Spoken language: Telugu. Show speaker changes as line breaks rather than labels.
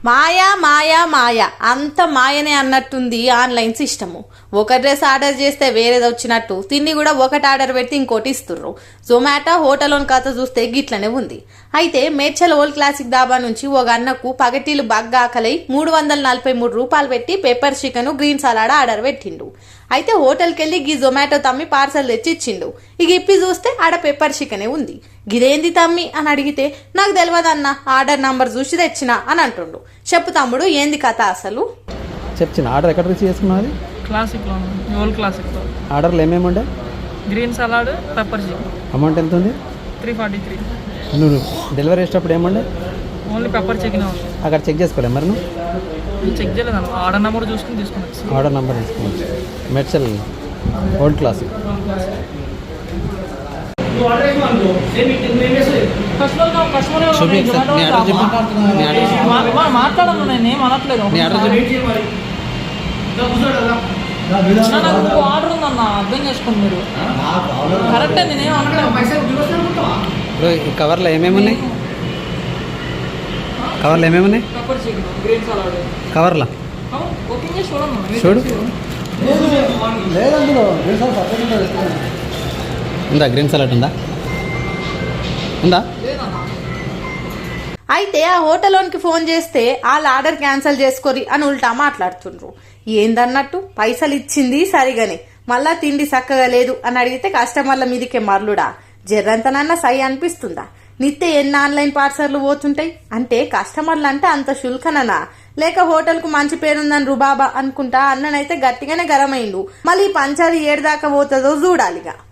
మాయా మాయా మాయ అంత మాయనే అన్నట్టుంది ఆన్లైన్ సిస్టము. ఒక డ్రెస్ ఆర్డర్ చేస్తే వేరేది వచ్చినట్టు తిండి కూడా ఒకటి ఆర్డర్ పెట్టి ఇంకోటి ఇస్తుర్రు. జొమాటో హోటల్లోని కథ చూస్తే గిట్లనే ఉంది. అయితే మేడ్చల్ ఓల్డ్ క్లాసిక్ డాబా నుంచి ఒక అన్నకు పగటీలు బాగా ఆకలై 343 రూపాయలు పెట్టి pepper chicken green salad order పెట్టిండు. అయితే హోటల్కి వెళ్ళి గీ జొమాటో తమ్మి పార్సల్ తెచ్చి ఇచ్చిండు. ఇక ఇప్పి చూస్తే ఆడ పెప్పర్ చికెనే ఉంది. గిదేంది తమ్మి అని అడిగితే నాకు తెలియదన్న, ఆర్డర్ నంబర్ చూసి తెచ్చినా అని అంటుండు. చెప్పు తమ్ముడు, ఏంది కథ అసలు?
చెప్పిన ఆర్డర్ ఎక్కడ రిసీవ్ చేసుకున్నది?
క్లాసిక్లో, ఓల్డ్ క్లాసిక్లో.
ఆర్డర్లో ఏమేమి ఉండే?
Green salad, pepper chicken.
Amount ఎంత ఉంది?
343.
నువ్వు డెలివరీ చేసేటప్పుడు ఏముండే?
ఓన్లీ పెప్పర్ చికెన్ ఉంది.
అక్కడ చెక్ చేసుకోలే మరి నువ్వు?
చెక్ చేయలేదు అన్న, ఆర్డర్ నెంబర్ చూసుకుని తీసుకున్నాను.
ఆర్డర్ నెంబర్ తీసుకోవచ్చు. Medchal old classic.
మాట్లాడను, నేను ఏం అనట్లేదు. నాకు ఆర్డర్ ఉందన్న, అర్థం చేసుకోండి మీరు. కరెక్టే, నేనేం అనట్లేదు.
ఈ కవర్లో ఏమేమి ఉన్నాయి? కవర్లో ఏమేమి ఉన్నాయి?
Pepper chicken, green salad.
కవర్లో
ఓపెన్ చేసి చూడండి.
చూడు. ఉందా గ్రీన్ సలాడ్? ఉందా?
అయితే ఆ హోటల్లోనికి ఫోన్ చేస్తే వాళ్ళ ఆర్డర్ క్యాన్సిల్ చేసుకోరి అని ఉల్టా మాట్లాడుతుండ్రు. ఏందన్నట్టు పైసలు ఇచ్చింది సరిగానే, మళ్ళా తిండి చక్కగా లేదు అని అడిగితే కస్టమర్ల మీదకే మరలుడా? జర్రంతనన్నా సై అనిపిస్తుందా? నిత్య ఎన్ని ఆన్లైన్ పార్సర్లు పోతుంటాయి అంటే కస్టమర్లు అంటే అంత శుల్కననా, లేక హోటల్ కు మంచి పేరుందని రుబాబా అనుకుంటా అన్ననైతే గట్టిగానే గరమైండు. మళ్ళీ పంచాది ఏడు దాకా పోతుందో చూడాలిగా.